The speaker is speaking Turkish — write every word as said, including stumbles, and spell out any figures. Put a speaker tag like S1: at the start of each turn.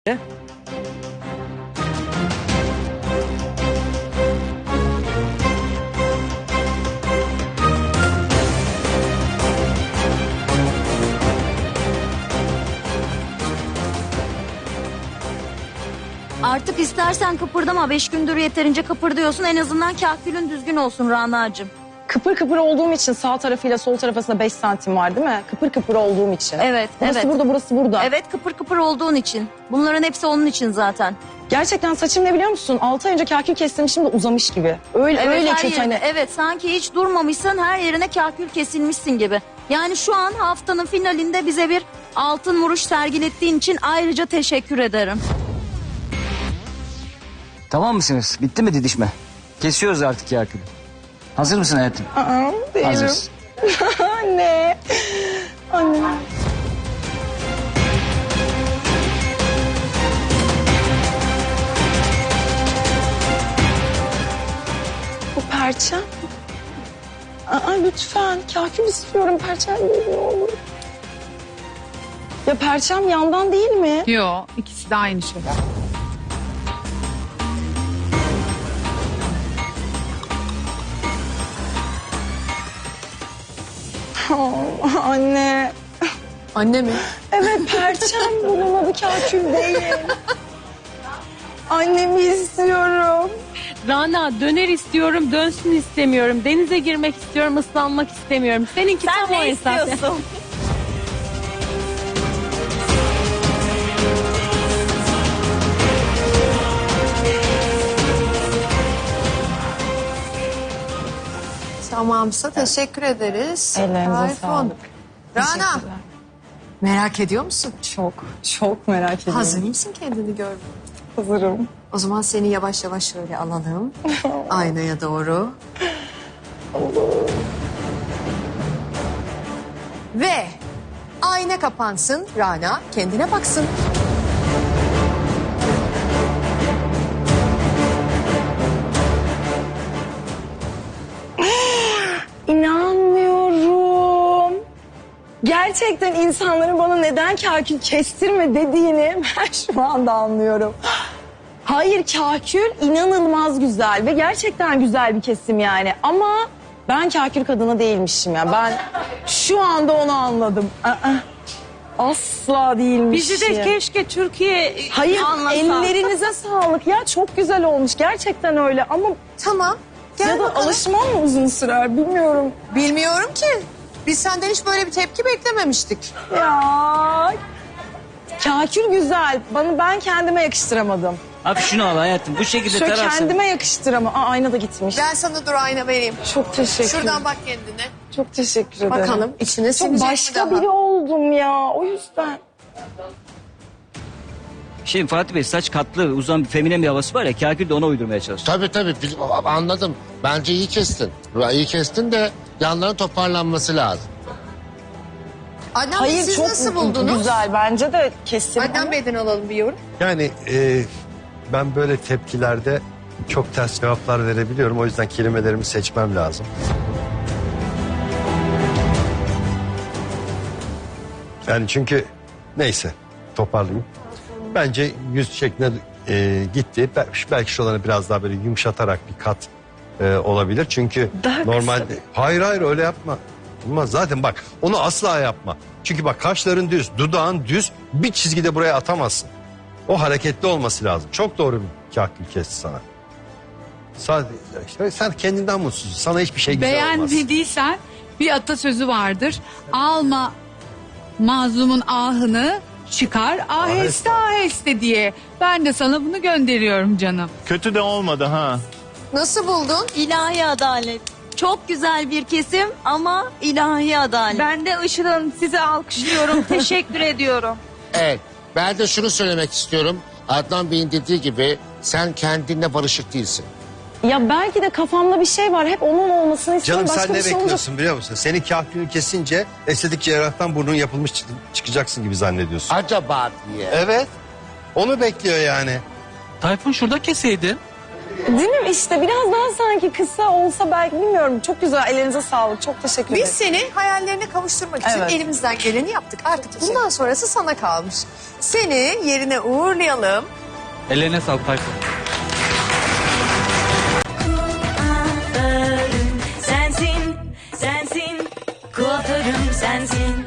S1: Artık istersen kıpırdama. Beş gündür yeterince kıpırdıyorsun. En azından kahkülün düzgün olsun Rana'cığım.
S2: Kıpır kıpır olduğum için sağ tarafıyla sol tarafı arasında beş santim var değil mi? Kıpır kıpır olduğum için.
S1: Evet,
S2: burası
S1: evet.
S2: burada, burası burada.
S1: Evet, kıpır kıpır olduğun için. Bunların hepsi onun için zaten.
S2: Gerçekten saçım ne biliyor musun? altı ay önce kahkül kestirmişim de uzamış gibi. Öyle
S1: Evet,
S2: öyle
S1: her
S2: kötü
S1: yerine-
S2: hani.
S1: Evet, sanki hiç durmamışsın, her yerine kahkül kesilmişsin gibi. Yani şu an haftanın finalinde bize bir altın vuruş sergilettiğin için ayrıca teşekkür ederim.
S3: Tamam mısınız? Bitti mi didişme? Kesiyoruz artık Yakup'u. Hazır mısın hayatım?
S2: Aa, değilim.
S3: Hazırız.
S2: Anne. Anne. Bu perçem. Aa, lütfen. Kahkül istiyorum. Perçem değil ne olur. Ya perçem yandan değil mi?
S4: Yok, ikisi de aynı şey.
S2: Oh, anne.
S5: Anne mi?
S2: Evet perçem bunun adı kahkül değil. Annemi istiyorum.
S5: Rana döner istiyorum, dönsün istemiyorum. Denize girmek istiyorum, ıslanmak istemiyorum. Seninki
S1: Sen
S5: tam o
S1: ne
S5: esas.
S1: istiyorsun?
S6: Tamamsa teşekkür ederiz.
S2: Ellerinize
S6: Tayfun.
S2: sağlık.
S6: Rana
S2: Teşekkürler.
S6: merak ediyor musun?
S2: Çok, çok merak ediyorum.
S6: Hazır mısın kendini görmeye?
S2: Hazırım.
S6: O zaman seni yavaş yavaş şöyle alalım. Aynaya doğru. Ve ayna kapansın. Rana kendine baksın.
S2: İnanmıyorum. Gerçekten insanların bana neden kahkül kestirme dediğini ben şu anda anlıyorum. Hayır kahkül inanılmaz güzel ve gerçekten güzel bir kesim yani. Ama ben kahkül kadını değilmişim ya. Ben şu anda onu anladım. Aa, asla değilmişim.
S5: Bizi de keşke Türkiye
S2: Hayır
S5: anlasa.
S2: ellerinize sağlık ya çok güzel olmuş gerçekten öyle ama
S6: Tamam. Gel
S2: ya da
S6: bakalım.
S2: alışmam mı uzun sürer bilmiyorum.
S6: Bilmiyorum ki. Biz senden hiç böyle bir tepki beklememiştik.
S2: Ya kahkül güzel. Bana ben kendime yakıştıramadım.
S3: Abi şunu al hayatım. Bu şekilde
S2: Şöyle
S3: tararsan.
S2: kendime yakıştıramam. Aa, ayna da gitmiş.
S6: Ben sana dur ayna vereyim.
S2: Çok teşekkür.
S6: Şuradan bak kendine.
S2: Çok teşekkür ederim.
S6: Bakalım içine
S2: Çok
S6: sinecek mi
S2: başka
S6: daha?
S2: biri oldum ya. O yüzden.
S3: Şimdi Fatih Bey saç katlı uzun feminen bir havası var ya. Kakül de ona uydurmaya çalışıyor.
S7: Tabii tabii bil- anladım. Bence iyi kestin. İyi kestin de yanların toparlanması lazım.
S6: Adnan Bey
S2: Hayır
S6: siz
S2: çok
S6: nasıl buldunuz?
S2: güzel. Bence de kesin.
S6: Adnan Bey'den alalım bir yorum.
S8: Yani e, ben böyle tepkilerde çok ters cevaplar verebiliyorum. O yüzden kelimelerimi seçmem lazım. Yani çünkü neyse toparlayayım. Bence yüz şekline e, gitti. Bel- Belki şuraları biraz daha böyle yumuşatarak bir kat e, olabilir. Çünkü
S2: Daha kısa
S8: normalde... Hayır hayır öyle yapma. Olmaz zaten bak onu asla yapma. Çünkü bak kaşların düz, dudağın düz bir çizgide buraya atamazsın. O hareketli olması lazım. Çok doğru bir kahkül kesti sana. Sadece, işte sen kendinden mutsuzsun. Sana hiçbir şey güzel olmaz.
S4: Beğenmediysen bir atasözü vardır. Alma mazlumun ahını, çıkar aheste aheste diye. Ben de sana bunu gönderiyorum canım.
S9: Kötü de olmadı ha.
S6: Nasıl buldun?
S1: İlahi adalet. Çok güzel bir kesim ama ilahi adalet.
S5: Ben de Işıl Hanım sizi alkışlıyorum. Teşekkür ediyorum.
S7: Evet. Ben de şunu söylemek istiyorum. Adnan Bey'in dediği gibi sen kendinle barışık değilsin.
S2: Ya belki de kafamda bir şey var. Hep onun olmasını istiyorum.
S8: Canım
S2: Başka
S8: sen ne
S2: bir şey olacak.
S8: bekliyorsun biliyor musun? Senin kahkülünü kesince estetik cerrahtan burnun yapılmış çık- çıkacaksın gibi zannediyorsun.
S7: Acaba diye.
S8: Evet. Onu bekliyor yani.
S9: Tayfun şurada keseydin.
S2: Değil mi? İşte biraz daha sanki kısa olsa belki bilmiyorum. Çok güzel. Ellerinize sağlık. Çok teşekkür ederim.
S6: Biz seni hayallerine kavuşturmak için
S2: Evet.
S6: elimizden geleni yaptık. Artık bundan sonrası sana kalmış. Seni yerine uğurlayalım.
S9: Ellerine sağlık Tayfun.
S10: Sensin, sensin, kuaförüm sensin.